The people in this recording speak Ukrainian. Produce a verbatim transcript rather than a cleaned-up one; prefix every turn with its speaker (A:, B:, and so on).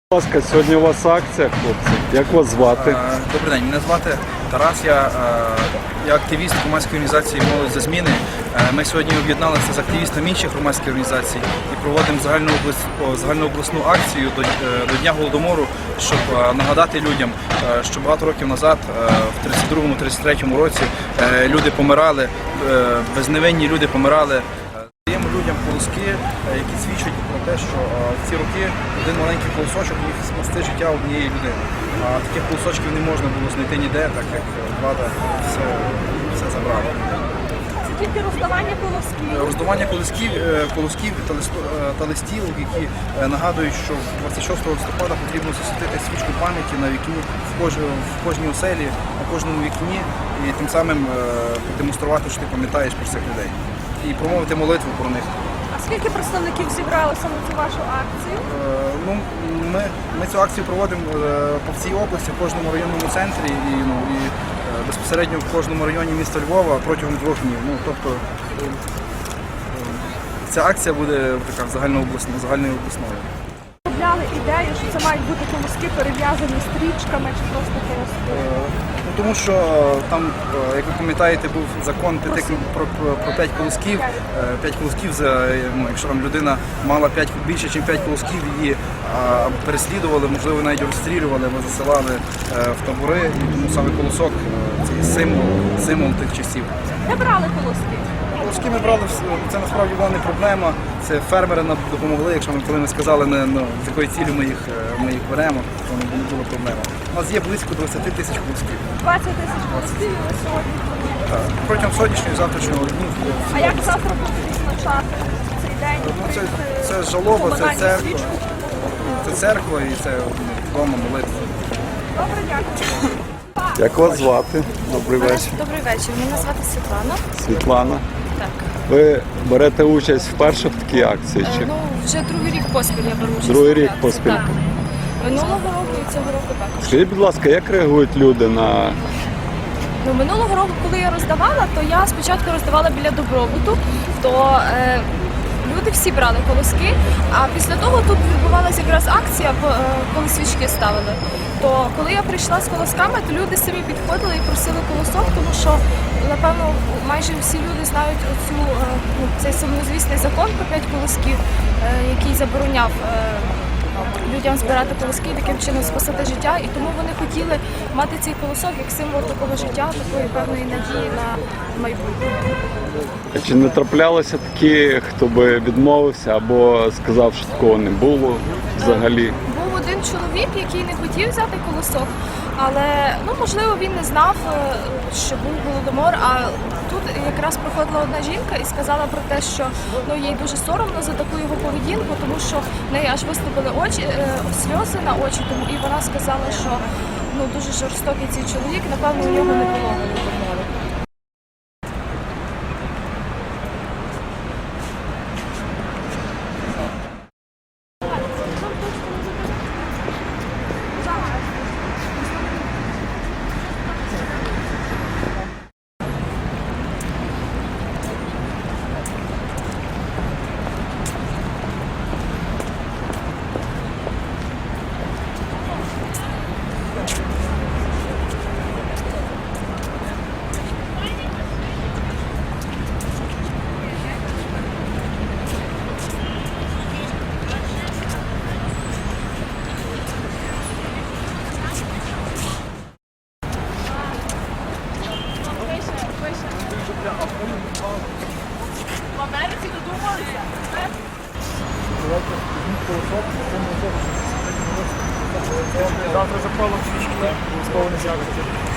A: Будь ласка, сьогодні у вас акція, хлопці. Як вас звати?
B: Добрий день, мене звати Тарас, я, я активіст громадської організації «Молодь за зміни». Ми сьогодні об'єдналися з активістами інших громадських організацій і проводимо загальнообласну акцію до, до Дня Голодомору, щоб нагадати людям, що багато років назад, в тридцять другому — тридцять третьому році, люди помирали, безневинні люди помирали. Даємо людям колоски, які свідчать про те, що в ці роки один маленький колосочок міг спасти життя однієї людини. А таких колосочків не можна було знайти ніде, так як влада все, все забрала.
C: Це тільки роздавання колосків?
B: Роздавання колосків, колосків та, листо, та листівок, які нагадують, що двадцять шостого листопада потрібно засвітити свічку пам'яті на вікні в, кож, в кожній оселі, на кожному вікні, і тим самим продемонструвати, що ти пам'ятаєш про цих людей. І промовити молитву про них.
C: А скільки представників зібралося на цю вашу акцію?
B: Е, ну, ми, ми цю акцію проводимо е, по всій області, в кожному районному центрі і, ну, і е, безпосередньо в кожному районі міста Львова протягом двох днів. Ну, тобто е, ця акція буде така загальнообласною. загальнообласною.
C: Розробляли ідею, що це мають бути колоски перев'язані стрічками чи просто колоски?
B: Е, ну, тому що там, е, як ви пам'ятаєте, був закон п'яти, про, про, про п'ять колосків. Е, п'ять колосків, за, ну, якщо там людина мала п'ять, більше, ніж п'ять колосків, її а, переслідували, можливо, навіть розстрілювали, або засилали е, в табори. І тому саме колосок е, – це символ, символ тих часів.
C: Де брали колоски?
B: Колоски ми брали, це насправді була не проблема. Це фермери нам допомогли, якщо ми коли ми сказали, не, ну, з якої цілі ми їх, ми їх беремо, то не було проблема. У нас є близько двадцять тисяч колосків.
C: двадцять тисяч колосків і сьогодні.
B: Так. Протягом сьогоднішнього і завтрашнього днів.
C: А як завтра будуть відзначати цей день?
B: Ну, це, це жалоба, це церква. Це церква і це вдома молитва.
C: Добре, дякую.
A: Як вас звати? Добрий вечір.
D: Добрий вечір. Мене звати Світлана.
A: Світлана.
D: Так.
A: Ви берете участь вперше в такій акції? Чи?
D: Е, ну, вже другий рік поспіль я беру участь.
A: Другий
D: в
A: рік
D: акції.
A: поспіль.
D: Так. Минулого року і цього року також.
A: Скажіть, будь ласка, як реагують люди на...
D: Ну, минулого року, коли я роздавала, то я спочатку роздавала біля добробуту, то е, люди всі брали колоски, а після того тут відбувалася якраз акція, е, коли свічки ставили. То коли я прийшла з колосками, то люди самі підходили і просили колосок, тому що, напевно, майже всі люди знають оцю, е, ну, цей сумнозвісний закон про п'ять колосків, е, який забороняв е, людям збирати колоски і таким чином спасати життя. І тому вони хотіли мати цей колосок як символ такого життя, такої певної надії на майбутнє.
A: А чи не траплялися такі, хто би відмовився або сказав, що такого не було взагалі?
D: Був один чоловік, який не хотів взяти колосок, але, ну, можливо, він не знав, що був голодомор, а тут якраз проходила одна жінка і сказала про те, що, ну, їй дуже соромно за таку його поведінку, тому що в неї аж виступили очі, сльози на очі, тому і вона сказала, що, ну, дуже жорстокий цей чоловік, напевно, у нього не було голодомору.
C: В Америці додумалися?
B: Завтра запалом свічки, обов'язково не з'явиться.